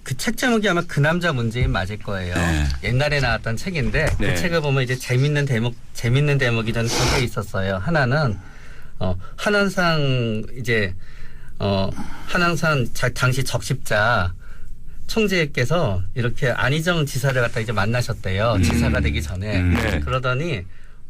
그 책 제목이 아마 그 남자 문재인 맞을 거예요. 네. 옛날에 나왔던 책인데 네. 그 책을 보면 이제 재밌는 대목이 저는 두 개 있었어요. 하나는 한원상 이제 한원상 당시 적십자 총재께서 이렇게 안희정 지사를 갖다 이제 만나셨대요. 지사가 되기 전에. 네. 그러더니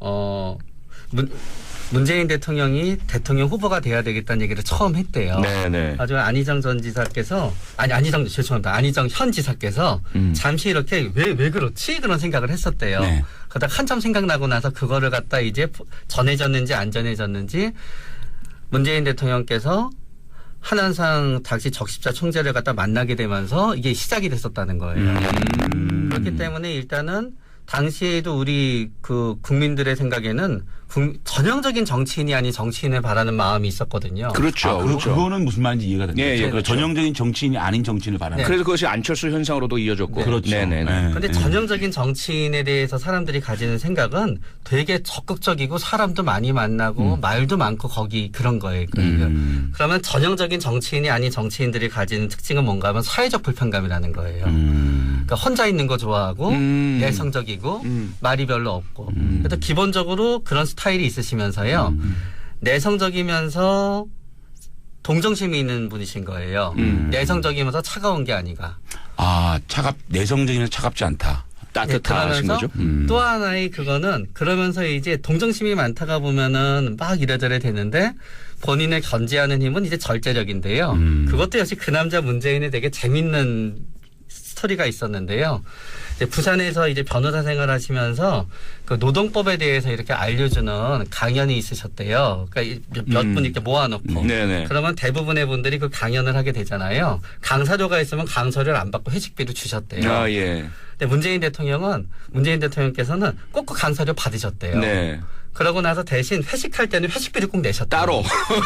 문재인 대통령이 대통령 후보가 돼야 되겠다는 얘기를 처음 했대요. 네네. 아주 안희정 전 지사께서 안희정 현 지사께서 잠시 이렇게 왜 그렇지 그런 생각을 했었대요. 네. 그러다 한참 생각나고 나서 그거를 갖다 이제 전해졌는지 안 전해졌는지 문재인 대통령께서 한한상 당시 적십자 총재를 갖다 만나게 되면서 이게 시작이 됐었다는 거예요. 그렇기 때문에 일단은 당시에도 우리 그 국민들의 생각에는 전형적인 정치인이 아닌 정치인을 바라는 마음이 있었거든요. 그렇죠. 그렇죠. 그거는 무슨 말인지 이해가 됩니다. 예, 예, 그렇죠. 전형적인 정치인이 아닌 정치인을 바라는. 네. 그래서 그것이 안철수 현상으로도 이어졌고. 그렇죠. 네네네. 네. 근데 전형적인 정치인에 대해서 사람들이 가지는 생각은 되게 적극적이고 사람도 많이 만나고 말도 많고 거기 그런 거예요. 그러면 전형적인 정치인이 아닌 정치인들이 가지는 특징은 뭔가 하면 사회적 불편감이라는 거예요. 그러니까 혼자 있는 거 좋아하고 내성적이고 말이 별로 없고. 그래서 기본적으로 그런 스타일이 있으시면서요. 내성적이면서 동정심이 있는 분이신 거예요. 내성적이면서 차가운 게 아니가. 내성적이면 차갑지 않다. 따뜻하신 그러면서 거죠. 또 하나의 그거는 그러면서 이제 동정심이 많다가 보면은 막 이래저래 되는데 본인을 견제하는 힘은 이제 절제력인데요. 그것도 역시 그 남자 문재인의 되게 재밌는 스토리가 있었는데요. 이제 부산에서 이제 변호사 생활하시면서 그 노동법에 대해서 이렇게 알려주는 강연이 있으셨대요. 그러니까 몇 분 이렇게 모아놓고. 네네. 그러면 대부분의 분들이 그 강연을 하게 되잖아요. 강사료가 있으면 강사료를 안 받고 회식비를 주셨대요. 아, 예. 근데 문재인 대통령께서는 꼭 그 강사료 받으셨대요. 네. 그러고 나서 대신 회식할 때는 회식비를 꼭 내셨대요. 따로.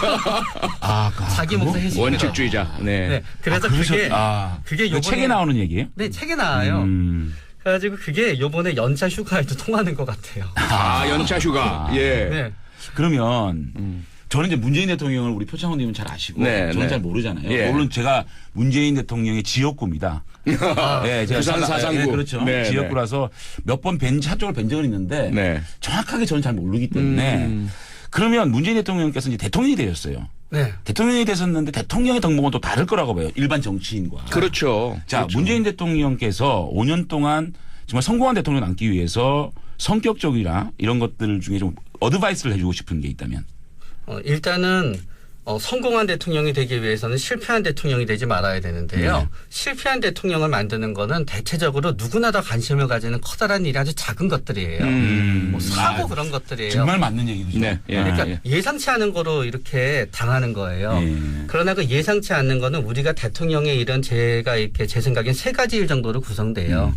자기 몫의 회식비. 원칙주의자. 네. 네. 그래서 그게 요번에 책에 나오는 얘기예요? 네, 책에 나와요. 그래가지고 그게 요번에 연차 휴가에도 통하는 것 같아요. 연차 휴가. 예. 네. 그러면 저는 이제 문재인 대통령을 우리 표창원님은 잘 아시고 네, 저는 네. 잘 모르잖아요. 예. 물론 제가 문재인 대통령의 지역구입니다. 네, 제가 부산 사상구. 네, 그렇죠. 네, 지역구라서 몇 번 차쪽을 뵌 적은 있는데 네. 정확하게 저는 잘 모르기 때문에 그러면 문재인 대통령께서 이제 대통령이 되셨어요. 네. 대통령이 되셨는데 대통령의 덕목은 또 다를 거라고 봐요. 일반 정치인과. 그렇죠. 자, 그렇죠. 문재인 대통령께서 5년 동안 정말 성공한 대통령 남기 위해서 성격적이나 이런 것들 중에 좀 어드바이스를 해주고 싶은 게 있다면. 일단은 성공한 대통령이 되기 위해서는 실패한 대통령이 되지 말아야 되는데요. 네. 실패한 대통령을 만드는 거는 대체적으로 누구나 다 관심을 가지는 커다란 일이 아주 작은 것들이에요. 뭐 사고 그런 것들이에요. 정말 맞는 얘기죠. 네. 예. 그러니까 예상치 않은 거로 이렇게 당하는 거예요. 예. 그러나 그 예상치 않는 거는 우리가 대통령의 일은 제 생각엔 세 가지 일 정도로 구성돼요.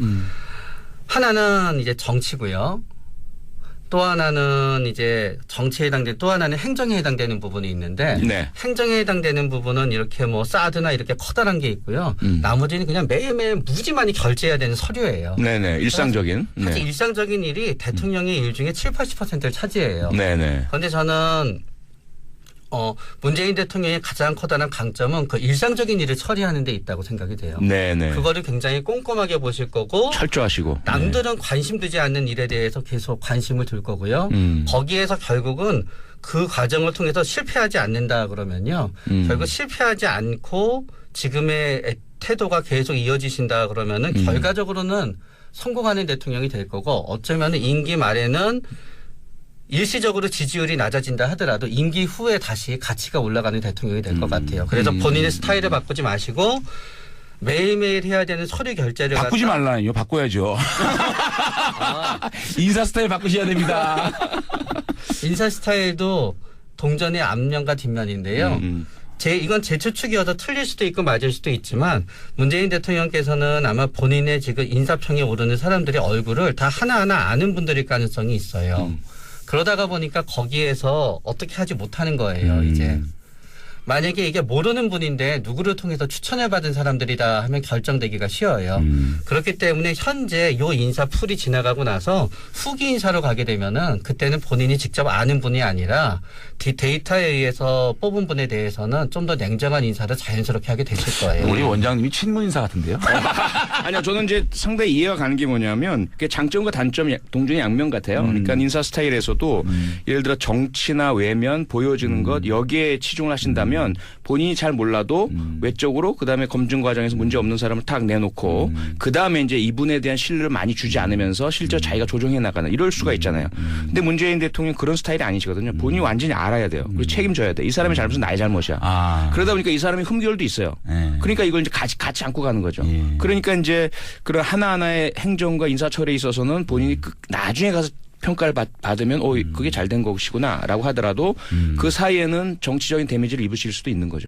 하나는 이제 정치고요. 또 하나는 이제 정치에 해당되는 또 하나는 행정에 해당되는 부분이 있는데 네. 행정에 해당되는 부분은 이렇게 뭐 사드나 이렇게 커다란 게 있고요. 나머지는 그냥 매일매일 무지 많이 결제해야 되는 서류예요. 네네. 일상적인. 사실 네. 일상적인 일이 대통령의 일 중에 70~80%를 차지해요. 네네. 그런데 저는 문재인 대통령의 가장 커다란 강점은 그 일상적인 일을 처리하는 데 있다고 생각이 돼요. 네네. 그거를 굉장히 꼼꼼하게 보실 거고 철저하시고. 남들은 관심 두지 않는 일에 대해서 계속 관심을 둘 거고요. 거기에서 결국은 그 과정을 통해서 실패하지 않는다 그러면요. 결국 실패하지 않고 지금의 태도가 계속 이어지신다 그러면은 결과적으로는 성공하는 대통령이 될 거고 어쩌면 임기 말에는 일시적으로 지지율이 낮아진다 하더라도 임기 후에 다시 가치가 올라가는 대통령이 될 것 같아요. 그래서 본인의 스타일을 바꾸지 마시고 매일매일 해야 되는 서류 결제를 바꾸지 말라니요. 바꿔야죠. 인사 스타일 바꾸셔야 됩니다. 인사 스타일도 동전의 앞면과 뒷면인데요. 이건 제 추측이어서 틀릴 수도 있고 맞을 수도 있지만 문재인 대통령께서는 아마 본인의 지금 인사평에 오르는 사람들의 얼굴을 다 하나하나 아는 분들일 가능성이 있어요. 그러다가 보니까 거기에서 어떻게 하지 못하는 거예요, 이제. 만약에 이게 모르는 분인데 누구를 통해서 추천을 받은 사람들이다 하면 결정되기가 쉬워요. 그렇기 때문에 현재 요 인사 풀이 지나가고 나서 후기 인사로 가게 되면은 그때는 본인이 직접 아는 분이 아니라 데이터에 의해서 뽑은 분에 대해서는 좀 더 냉정한 인사를 자연스럽게 하게 되실 거예요. 우리 원장님이 친문 인사 같은데요? 아니요, 저는 이제 상당히 이해가 가는 게 뭐냐면 그게 장점과 단점 동전의 양면 같아요. 그러니까 인사 스타일에서도 예를 들어 정치나 외면 보여주는 것 여기에 치중을 하신다면 본인이 잘 몰라도 외적으로 그다음에 검증 과정에서 문제 없는 사람을 탁 내놓고 그다음에 이제 이분에 대한 신뢰를 많이 주지 않으면서 실제로 자기가 조정해 나가는 이럴 수가 있잖아요. 근데 문재인 대통령 그런 스타일이 아니시거든요. 본인이 완전히 알아야 돼요. 그리고 책임져야 돼. 이 사람의 잘못은 나의 잘못이야. 그러다 보니까 이 사람이 흠결도 있어요. 그러니까 이걸 이제 같이 안고 가는 거죠. 그러니까 이제 그런 하나하나의 행정과 인사 처리에 있어서는 본인이 나중에 가서 평가를 받으면 그게 잘 된 것이구나라고 하더라도 그 사이에는 정치적인 데미지를 입으실 수도 있는 거죠.